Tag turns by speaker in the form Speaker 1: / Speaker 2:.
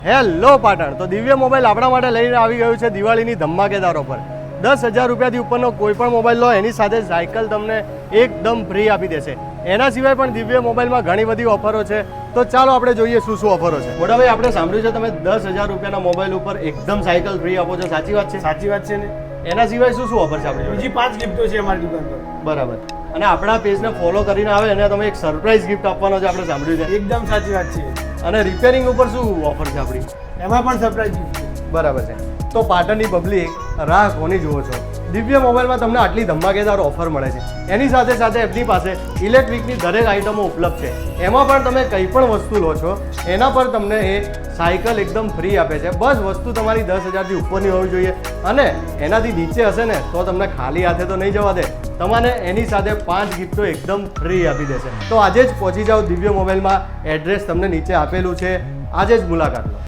Speaker 1: Hello Patan, તો દિવ્ય mobile આપણા માટે લઈને આવી ગયું છે દિવાળીની ધમાકેદાર ઓફર। 10,000 રૂપિયાથી ઉપરનો કોઈ પણ મોબાઈલ લો એની સાથે સાયકલ તમને એકદમ ફ્રી આપી દેશે। એના સિવાય પણ દિવ્ય મોબાઈલમાં ઘણી બધી ઓફરો છે, તો ચાલો આપણે જોઈએ શું શું ઓફરો છે। મોટાભાઈ, આપણે સાંભળ્યું છે તમે 10,000 રૂપિયાના મોબાઈલ ઉપર એકદમ સાયકલ ફ્રી આપો છો, સાચી વાત છે?
Speaker 2: સાચી વાત છે ને।
Speaker 1: એના સિવાય શું શું ઓફર છે આપણે?
Speaker 2: બીજી 5 ગિફ્ટો છે અમારી દુકાન પર।
Speaker 1: બરાબર, અને આપણા પેજને ફોલો કરીને આવે અને તમે એક સરપ્રાઈઝ ગિફ્ટ આપવાનો છે, આપણે સાંભળ્યું છે।
Speaker 2: એકદમ સાચી વાત છે।
Speaker 1: અને રિપેરિંગ ઉપર શું ઓફર છે આપણી?
Speaker 2: એમાં પણ સરપ્રાઈઝ ગિફ્ટ છે।
Speaker 1: બરાબર છે, તો પાટણની પબ્લિક રાહ કોની જુઓ છો? દિવ્ય મોબાઈલમાં તમને આટલી ધમાકેદાર ઓફર મળે છે, એની સાથે સાથે એમની પાસે ઇલેક્ટ્રિકની દરેક આઇટમો ઉપલબ્ધ છે। એમાં પણ તમે કંઈ પણ વસ્તુ લો છો એના પર તમને એ સાયકલ એકદમ ફ્રી આપે છે। બસ વસ્તુ તમારી 10,000થી ઉપરની હોવી જોઈએ, અને એનાથી નીચે હશે ને તો તમને ખાલી હાથે તો નહીં જવા દે, તમને એની સાથે 5 ગિફ્ટો એકદમ ફ્રી આપી દેશે। તો આજે જ પહોંચી જાઓ દિવ્ય મોબાઈલમાં, એડ્રેસ તમને નીચે આપેલું છે, આજે જ મુલાકાત લો।